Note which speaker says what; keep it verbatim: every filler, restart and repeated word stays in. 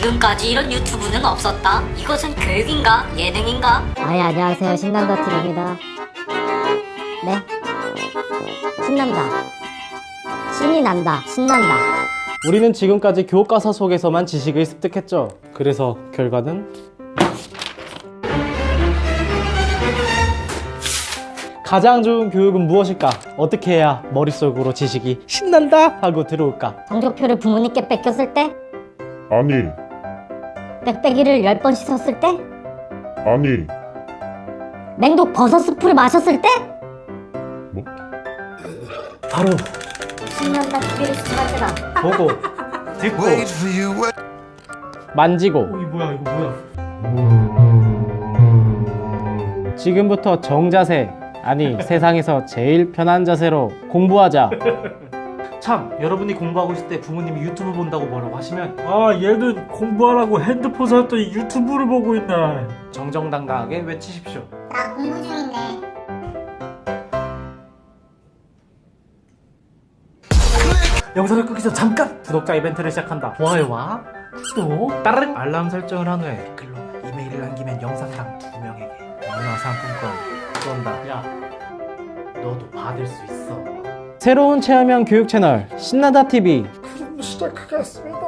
Speaker 1: 지금까지 이런 유튜브는 없었다. 이것은 교육인가? 예능인가?
Speaker 2: 아예 안녕하세요, 신난다 티비입니다. 네? 신난다. 신이 난다. 신난다.
Speaker 3: 우리는 지금까지 교과서 속에서만 지식을 습득했죠. 그래서 결과는 가장 좋은 교육은 무엇일까? 어떻게 해야 머릿속으로 지식이 신난다 하고 들어올까?
Speaker 2: 성적표를 부모님께 뺏겼을 때?
Speaker 4: 아니,
Speaker 2: 빽빽이를 열 번 씻었을 때?
Speaker 4: 아니,
Speaker 2: 맹독 버섯 스프를 마셨을 때?
Speaker 4: 뭐?
Speaker 3: 바로
Speaker 2: 신난다 티비를 시청할 때다.
Speaker 3: 보고 듣고 만지고 어, 이 뭐야 이거 뭐야 지금부터 정자세 아니 세상에서 제일 편한 자세로 공부하자. 참 여러분이 공부하고 있을 때 부모님이 유튜브 본다고 뭐라고 하시면
Speaker 5: 아 얘는 공부하라고 핸드폰 샀더니 유튜브를 보고 있네.
Speaker 3: 정정당당하게 외치십시오.
Speaker 2: 나 공부 중인데.
Speaker 3: 영상을 끄기 전 잠깐 구독자 이벤트를 시작한다. 좋아요와 구독, 따르릉 알람 설정을 한 후에 댓글로 이메일을 남기면 영상당 두 명에게 문화상품권 쏜다. 야, 너도 받을 수 있어. 새로운 체험형 교육 채널 신나다 티비
Speaker 5: 시작하겠습니다.